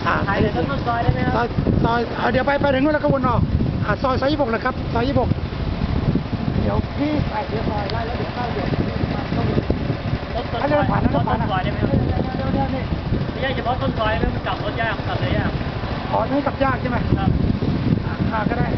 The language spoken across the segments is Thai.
ถ่ายเลยต้นซอยได้ไหมครับซอยเดี๋ยวไปถึงนู้นแล้วก็วนออกซอย26เลยครับซอย26เดี๋ยวพี่ไปเดี๋ยวซอยไล่แล้วเดี๋ยวเข้าเดี๋ยวต้นซอยได้ไหมครับนี่ไม่ใช่เฉพาะต้นซอยแล้วมันกลับรถยากกลับเลยยากนี่กลับยากใช่ไหมครับก็ได้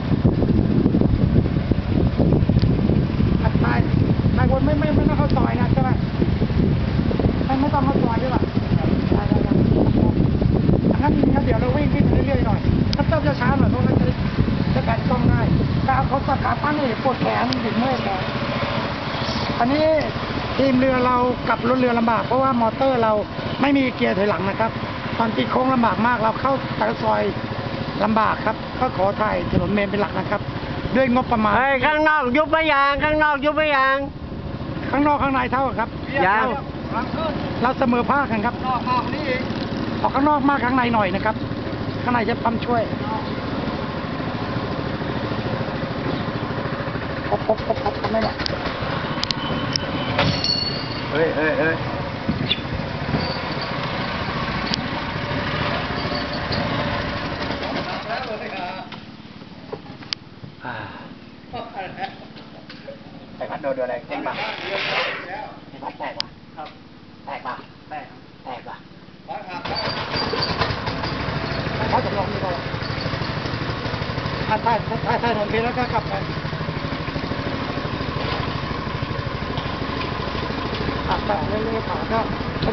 ไปวนไม่ต้องเข้าซอยนะใช่ไหมไม่ต้องเข้าซอยใช่ป่ะได้งั้นเดี๋ยวเราวิ่งเรื่อยๆหน่อยถ้าเติมช้าๆหน่อยเพราะมันจะแบนกล้องง่ายถ้าเขาสักขาตั้งนี่ปวดแขนถึงเมื่อยแขนอันนี้ทีมเรือเรากลับรถเรือลำบากเพราะว่ามอเตอร์เราไม่มีเกียร์ถอยหลังนะครับตอนตีโค้งลำบากมากเราเข้าแต่ซอยลำบากครับก็ขอถ่ายถนนเมนเป็นหลักนะครับด้วยงบประมาณข้างนอกยุบไม่ยางข้างนอกยุบไม่ยางข้างนอกข้างในเท่าครับยางเราเสมอภาคกันครับนอกมากนี่เองออกข้างนอกมากข้างในหน่อยนะครับข้างในจะปั๊มช่วยครบไม่หรอกเฮ้ยไปพัดโดนอะไรเจ๊งป่ะไปพัดแตกป่ะครับแตกป่ะเขาจำลองดีกว่าถ้าถนนเพชรแล้วก็กลับไปขับแบบเรื่อยๆขาก็